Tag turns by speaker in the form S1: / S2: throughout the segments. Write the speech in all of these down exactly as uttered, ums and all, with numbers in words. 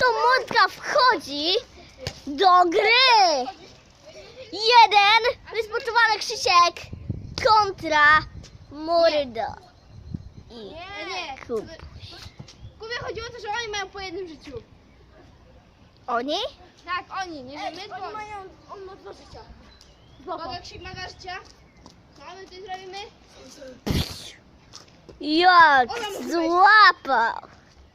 S1: oto Mordka wchodzi do gry. Jeden wysportowany Krzysiek kontra Mordo. I
S2: Nie, nie.
S1: Kuba.
S2: Kubie chodziło o to, że oni mają po jednym życiu.
S1: Oni?
S2: Tak, oni, nie że my,
S3: Oni mają, on ma dwa życia.
S2: Mogę krzyk ma życia. Co my tutaj zrobimy?
S1: Jak
S2: Ola, może
S1: złapał.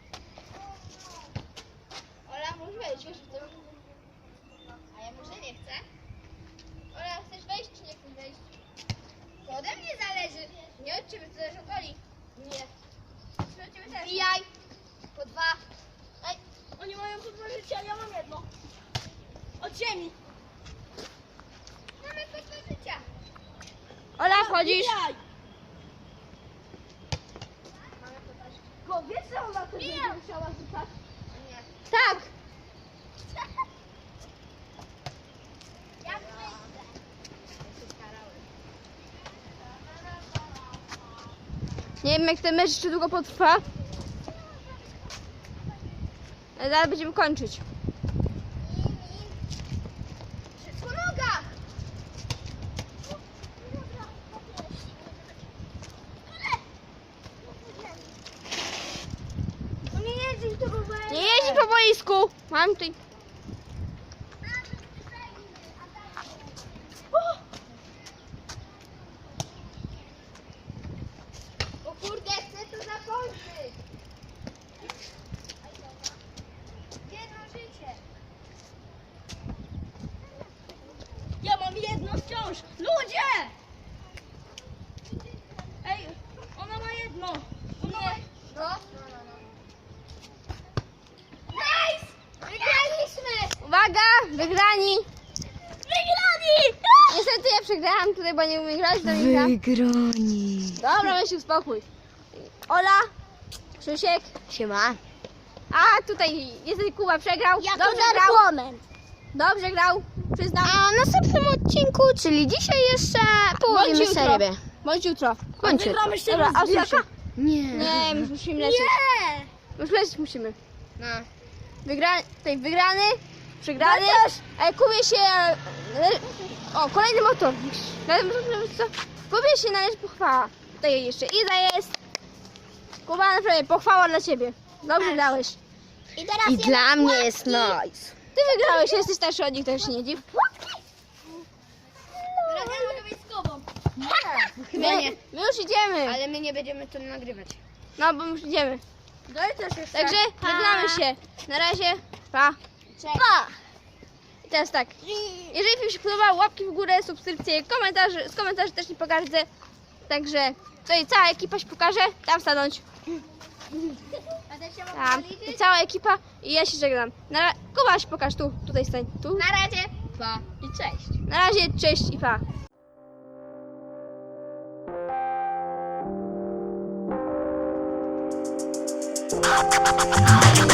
S2: Ola, możesz wejść, wiesz w tym? A ja może nie chcę. Ola, chcesz wejść czy nie chcesz wejść? To ode mnie zależy. Nie od ciebie, to zależy od Oli. Nie. Czy od ciebie też? Wbijaj. Po dwa. Ej,
S3: Oni mają po dwa życia, ja mam jedno. Od ziemi.
S2: mamy po dwa życia.
S1: Ola, wchodzisz?
S3: Bijaj.
S2: Mamy po dwa życia.
S3: Bo wiesz, że ona też będzie musiała rzucać?
S2: Nie.
S1: Tak.
S2: Ja chcę.
S1: Nie wiem, jak ten mecz jeszcze długo potrwa. Ale zaraz będziemy kończyć.
S2: Po nogach.
S3: No nie jeździ to rowerem.
S1: Nie jeździ po boisku. Mam tutaj.
S2: O kurde, chcę to zakończyć. Jedno życie.
S3: Ja mam jedno wciąż. Ludzie! Ej, ona ma jedno. Ona ma...
S2: No. Nice! Wygraliśmy!
S1: Uwaga, wygrani.
S3: Wygrani!
S1: Niestety ja przegrałam tutaj, bo nie umiem grać do Mika.
S4: Wygrani.
S1: Dobra, weź się uspokój. Ola, Krzysiek.
S4: Siema.
S1: A tutaj niestety Kuba przegrał.
S3: Jako
S1: Dobrze grał.
S3: narkomen.
S1: Dobrze grał. Przyznam.
S4: A w następnym odcinku, czyli dzisiaj jeszcze
S1: Bądź
S4: połowimy
S1: jutro.
S4: serię.
S1: Bądź jutro.
S4: Kończy.
S3: Wygramy się
S1: Dobra, a
S3: rozbijaka?
S1: Krzysiek?
S4: Nie.
S1: Nie, już musimy lecieć.
S3: Nie!
S1: Już lecieć musimy.
S4: No.
S1: Wygra... Tutaj wygrany, przegrany.
S3: Chociaż-
S1: Ale Kubie się... O, kolejny motor. Co? Kubie się należy pochwała. Tutaj jeszcze Iza jest. Kuba, naprawdę pochwała dla ciebie. Dobrze grałeś.
S3: I teraz
S4: I dla mnie jest nice.
S1: Ty wygrałeś, jesteś starszy od nich, tak się nie dziw.
S2: Teraz ja mogę być z Kubą.
S1: My, my już idziemy.
S4: Ale my nie będziemy to nagrywać.
S1: No, bo już idziemy.
S3: Daj też jeszcze.
S1: Także żegnamy się. Na razie. Pa. Pa. I teraz tak. Jeżeli film się podobał, łapki w górę, subskrypcje, komentarze. Z komentarzy też nie pogardzę. Także tutaj cała ekipa się pokaże. Tam stanąć.
S2: A też się mogę
S1: Tam. I
S2: zaliczyć?
S1: cała ekipa. I ja się żegnam. Na ra- Kuba się pokaż tu. Tutaj stań. Tu.
S2: Na razie.
S4: Pa i cześć.
S1: Na razie. Cześć i pa.
S5: We'll be right back.